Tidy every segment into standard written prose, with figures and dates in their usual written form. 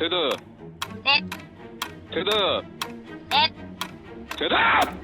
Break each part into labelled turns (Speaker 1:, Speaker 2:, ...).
Speaker 1: 대답.
Speaker 2: 네.
Speaker 1: 대답.
Speaker 2: 네.
Speaker 1: 대답.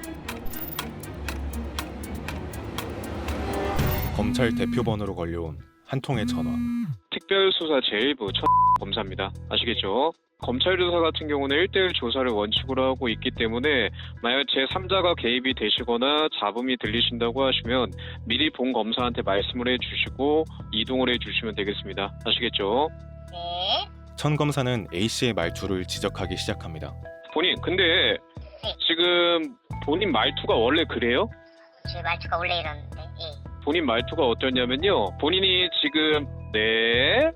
Speaker 3: 검찰 대표번호로 걸려온 한 통의 전화.
Speaker 1: 특별수사 제1부 검사입니다. 아시겠죠? 검찰 조사 같은 경우는 1대1 조사를 원칙으로 하고 있기 때문에 만약 제3자가 개입이 되시거나 잡음이 들리신다고 하시면 미리 본 검사한테 말씀을 해주시고 이동을 해주시면 되겠습니다. 아시겠죠?
Speaker 2: 네.
Speaker 3: 천 검사는 A씨의 말투를 지적하기 시작합니다.
Speaker 1: 본인 근데 지금 본인 말투가 원래 그래요?
Speaker 2: 제 말투가 원래 이러는데. 예.
Speaker 1: 본인 말투가 어떠냐면요. 본인이 지금 네,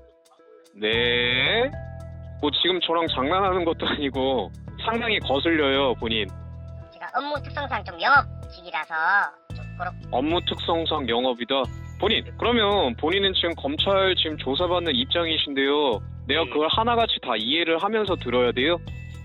Speaker 1: 뭐 지금 저랑 장난하는 것도 아니고 상당히 거슬려요, 본인.
Speaker 2: 제가 업무 특성상 좀 영업직이라서 좀 그렇게.
Speaker 1: 업무 특성상 영업이다. 본인, 그러면 본인은 지금 검찰 지금 조사받는 입장이신데요. 내가 그걸 하나같이 다 이해를 하면서 들어야 돼요?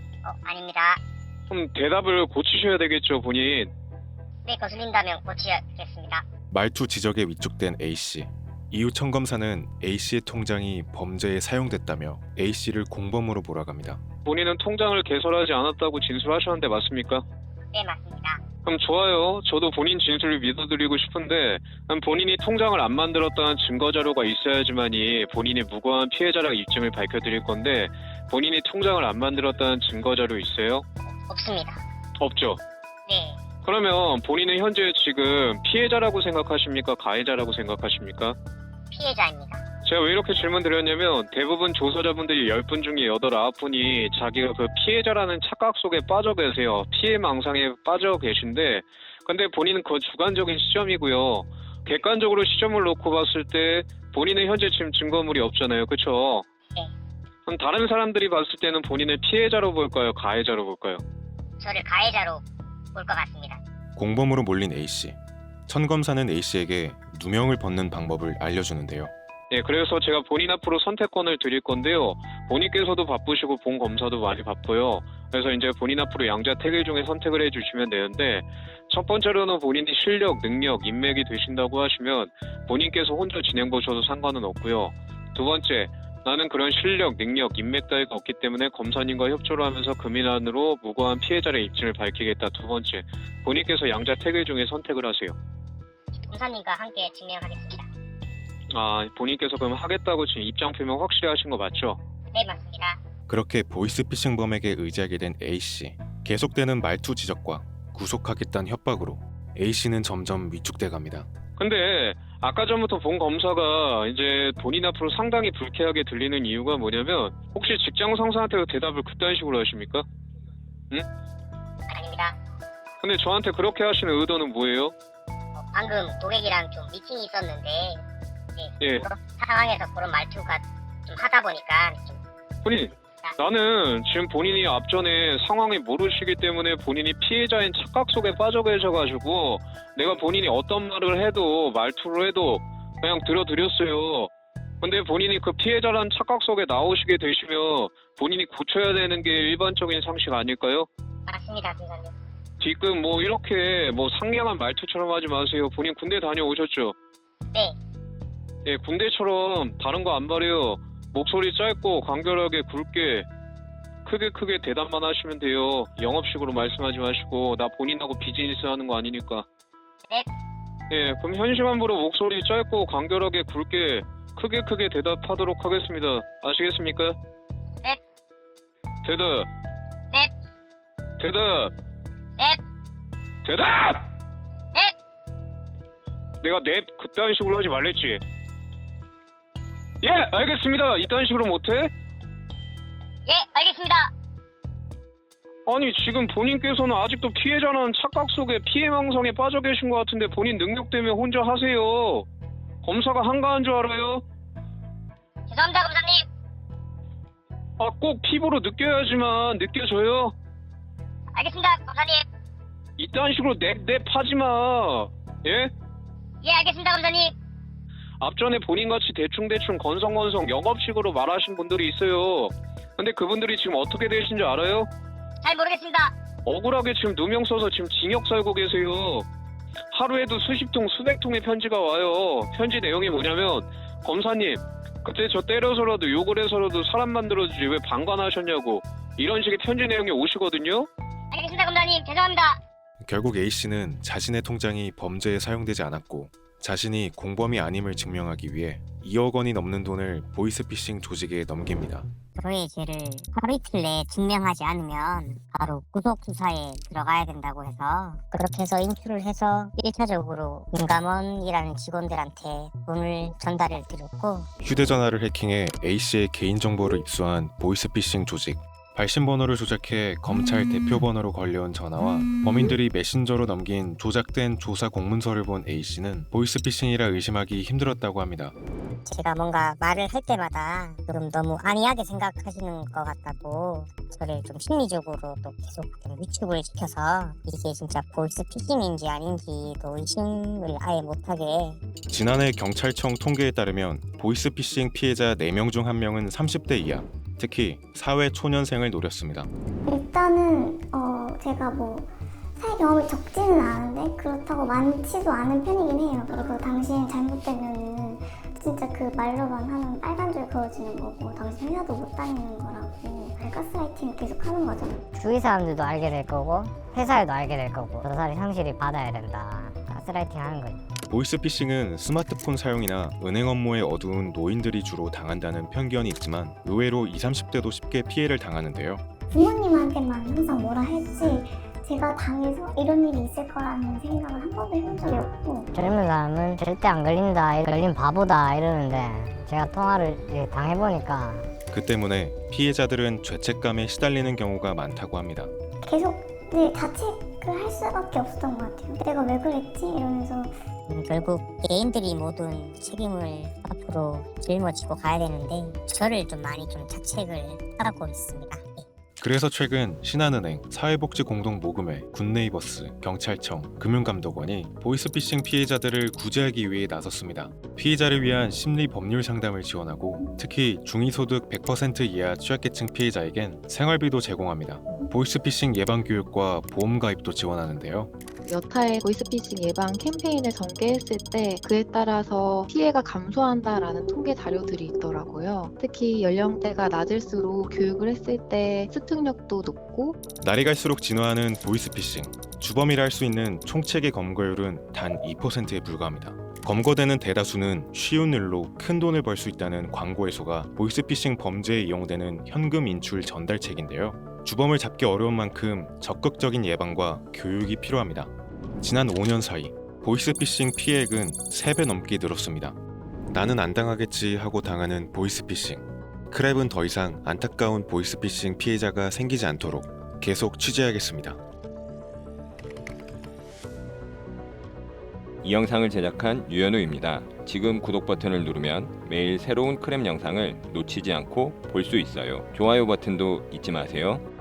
Speaker 2: 아닙니다.
Speaker 1: 그럼 대답을 고치셔야 되겠죠, 본인.
Speaker 2: 네, 거슬린다면 고치겠습니다.
Speaker 3: 말투 지적에 위축된 A씨. 이후 천 검사는 A씨의 통장이 범죄에 사용됐다며 A씨를 공범으로 몰아갑니다.
Speaker 1: 본인은 통장을 개설하지 않았다고 진술하셨는데 맞습니까?
Speaker 2: 네, 맞습니다.
Speaker 1: 그럼 좋아요. 저도 본인 진술을 믿어드리고 싶은데 그럼 본인이 통장을 안 만들었다는 증거자료가 있어야지만이 본인이 무고한 피해자라고 입증을 밝혀드릴 건데 본인이 통장을 안 만들었다는 증거자료 있어요?
Speaker 2: 없습니다.
Speaker 1: 없죠?
Speaker 2: 네.
Speaker 1: 그러면 본인은 현재 지금 피해자라고 생각하십니까? 가해자라고 생각하십니까?
Speaker 2: 피해자입니다.
Speaker 1: 제가 왜 이렇게 질문 드렸냐면 대부분 조사자분들이 10분 중에 8, 9분이 자기가 그 피해자라는 착각 속에 빠져 계세요. 피해망상에 빠져 계신데 근데 본인은 그 주관적인 시점이고요. 객관적으로 시점을 놓고 봤을 때 본인은 현재 지금 증거물이 없잖아요. 그렇죠?
Speaker 2: 네.
Speaker 1: 그럼 다른 사람들이 봤을 때는 본인을 피해자로 볼까요? 가해자로 볼까요?
Speaker 2: 저를 가해자로 볼 것 같습니다.
Speaker 3: 공범으로 몰린 A씨. 천 검사는 A씨에게 누명을 벗는 방법을 알려주는데요.
Speaker 1: 네, 그래서 제가 본인 앞으로 선택권을 드릴 건데요. 본인께서도 바쁘시고 본 검사도 많이 바빠요. 그래서 이제 본인 앞으로 양자택일 중에 선택을 해주시면 되는데 첫 번째로는 본인이 실력, 능력, 인맥이 되신다고 하시면 본인께서 혼자 진행 보셔도 상관은 없고요. 두 번째, 나는 그런 실력, 능력, 인맥 따위가 없기 때문에 검사님과 협조를 하면서 금인안으로 무고한 피해자의 입증을 밝히겠다. 두 번째, 본인께서 양자택일 중에 선택을 하세요.
Speaker 2: 검사님과 함께 증명하겠습니다.
Speaker 1: 아, 본인께서 그럼 하겠다고 지금 입장 표명 확실히 하신 거 맞죠?
Speaker 2: 네, 맞습니다.
Speaker 3: 그렇게 보이스피싱범에게 의지하게 된 A씨. 계속되는 말투 지적과 구속하겠다는 협박으로 A씨는 점점 위축돼 갑니다.
Speaker 1: 근데 아까 전부터 본 검사가 이제 본인 앞으로 상당히 불쾌하게 들리는 이유가 뭐냐면 혹시 직장 상사한테 대답을 그딴 식으로 하십니까?
Speaker 2: 아닙니다.
Speaker 1: 근데 저한테 그렇게 하시는 의도는 뭐예요?
Speaker 2: 방금 고객이랑 좀 미팅이 있었는데
Speaker 1: 예.
Speaker 2: 그런 상황에서 그런 말투가 좀 하다 보니까 좀
Speaker 1: 본인, 나는 지금 본인이 앞전에 상황을 모르시기 때문에 본인이 피해자인 착각 속에 빠져 계셔가지고 내가 본인이 어떤 말을 해도 말투를 해도 그냥 들어드렸어요. 근데 본인이 그 피해자라는 착각 속에 나오시게 되시면 본인이 고쳐야 되는 게 일반적인 상식 아닐까요?
Speaker 2: 맞습니다, 선생님.
Speaker 1: 지금 뭐 이렇게 뭐 상냥한 말투처럼 하지 마세요. 본인 군대 다녀오셨죠?
Speaker 2: 네.
Speaker 1: 예, 군대처럼 다른 거 안 바래요. 목소리 짧고 간결하게 굵게 크게 대답만 하시면 돼요. 영업식으로 말씀하지 마시고 나 본인하고 비즈니스 하는 거 아니니까.
Speaker 2: 네.
Speaker 1: 예, 그럼 현 시간부로 목소리 짧고 간결하게 굵게 크게 대답하도록 하겠습니다. 아시겠습니까?
Speaker 2: 네.
Speaker 1: 대답.
Speaker 2: 네.
Speaker 1: 대답.
Speaker 2: 네.
Speaker 1: 대답!
Speaker 2: 네.
Speaker 1: 내가 넵 그딴 식으로 하지 말랬지. 예, 알겠습니다. 이딴 식으로 못해?
Speaker 2: 예, 알겠습니다.
Speaker 1: 아니 지금 본인께서는 아직도 피해자라는 착각 속에 피해망상에 빠져 계신 것 같은데 본인 능력 때문에 혼자 하세요. 검사가 한가한 줄 알아요?
Speaker 2: 죄송합니다, 검사님.
Speaker 1: 아, 꼭 피부로 느껴야지만 느껴져요.
Speaker 2: 알겠습니다, 검사님.
Speaker 1: 이딴 식으로 넵 하지 마. 예?
Speaker 2: 예, 알겠습니다, 검사님.
Speaker 1: 앞전에 본인같이 대충 건성건성 영업식으로 말하신 분들이 있어요. 근데 그분들이 지금 어떻게 되신 줄 알아요?
Speaker 2: 잘 모르겠습니다.
Speaker 1: 억울하게 지금 누명 써서 지금 징역 살고 계세요. 하루에도 수십 통, 수백 통의 편지가 와요. 편지 내용이 뭐냐면 검사님, 그때 저 때려서라도 욕을 해서라도 사람 만들어주지 왜 방관하셨냐고 이런 식의 편지 내용이 오시거든요.
Speaker 2: 알겠습니다, 검사님. 죄송합니다.
Speaker 3: 결국 A씨는 자신의 통장이 범죄에 사용되지 않았고 자신이 공범이 아님을 증명하기 위해 2억 원이 넘는 돈을 보이스피싱 조직에 넘깁니다.
Speaker 2: 저의 죄를 하루 이틀 내에 증명하지 않으면 바로 구속 수사에 들어가야 된다고 해서 그렇게 해서 인출을 해서 1차적으로 윤감원이라는 직원들한테 돈을 전달을 드렸고
Speaker 3: 휴대전화를 해킹해 A씨의 개인정보를 입수한 보이스피싱 조직. 발신번호를 조작해 검찰 대표번호로 걸려온 전화와 범인들이 메신저로 넘긴 조작된 조사 공문서를 본 A씨는 보이스피싱이라 의심하기 힘들었다고 합니다.
Speaker 2: 제가 뭔가 말을 할 때마다 좀 너무 안이하게 생각하시는 것 같다고 저를 좀 심리적으로 또 계속 좀 위축을 시켜서 이게 진짜 보이스피싱인지 아닌지도 의심을 아예 못하게.
Speaker 3: 지난해 경찰청 통계에 따르면 보이스피싱 피해자 4명 중 1명은 30대 이하, 특히 사회 초년생을 노렸습니다.
Speaker 4: 일단은 제가 뭐 사회 경험이 적지는 않은데 그렇다고 많지도 않은 편이긴 해요. 그리고 당신 잘못되면은 진짜 그 말로만 하면 빨간 줄 그어지는 거고 당신 회사도 못 다니는 거라고 가스라이팅을 계속 하는 거죠.
Speaker 2: 주위 사람들도 알게 될 거고 회사에도 알게 될 거고 저 사람이 상실이 받아야 된다. 가스라이팅 하는 거지.
Speaker 3: 보이스피싱은 스마트폰 사용이나 은행 업무에 어두운 노인들이 주로 당한다는 편견이 있지만 의외로 20, 30대도 쉽게 피해를 당하는데요.
Speaker 4: 부모님한테만 항상 뭐라 했지 제가 당해서 이런 일이 있을 거라는 생각을 한 번도 해본 적이 없고
Speaker 2: 젊은 사람은 절대 안 걸린다, 걸린 바보다 이러는데 제가 통화를 당해보니까
Speaker 3: 그 때문에 피해자들은 죄책감에 시달리는 경우가 많다고 합니다.
Speaker 4: 계속 자책을 할 수밖에 없었던 것 같아요. 내가 왜 그랬지? 이러면서
Speaker 2: 결국 개인들이 모든 책임을 앞으로 짊어지고 가야 되는데 저를 좀 많이 좀 자책을 하고 있습니다.
Speaker 3: 그래서 최근 신한은행, 사회복지공동모금회, 굿네이버스, 경찰청, 금융감독원이 보이스피싱 피해자들을 구제하기 위해 나섰습니다. 피해자를 위한 심리 법률 상담을 지원하고 특히 중위소득 100% 이하 취약계층 피해자에겐 생활비도 제공합니다. 보이스피싱 예방 교육과 보험 가입도 지원하는데요.
Speaker 5: 여타의 보이스피싱 예방 캠페인을 전개했을 때 그에 따라서 피해가 감소한다라는 통계 자료들이 있더라고요. 특히 연령대가 낮을수록 교육을 했을 때 습득력도 높고
Speaker 3: 날이 갈수록 진화하는 보이스피싱. 주범이라 할 수 있는 총책의 검거율은 단 2%에 불과합니다. 검거되는 대다수는 쉬운 일로 큰 돈을 벌 수 있다는 광고 해소가 보이스피싱 범죄에 이용되는 현금 인출 전달책인데요. 주범을 잡기 어려운 만큼 적극적인 예방과 교육이 필요합니다. 지난 5년 사이 보이스피싱 피해액은 3배 넘게 늘었습니다. 나는 안 당하겠지 하고 당하는 보이스피싱. 크랩은 더 이상 안타까운 보이스피싱 피해자가 생기지 않도록 계속 취재하겠습니다.
Speaker 6: 이 영상을 제작한 유현우입니다. 지금 구독 버튼을 누르면 매일 새로운 크랩 영상을 놓치지 않고 볼 수 있어요. 좋아요 버튼도 잊지 마세요.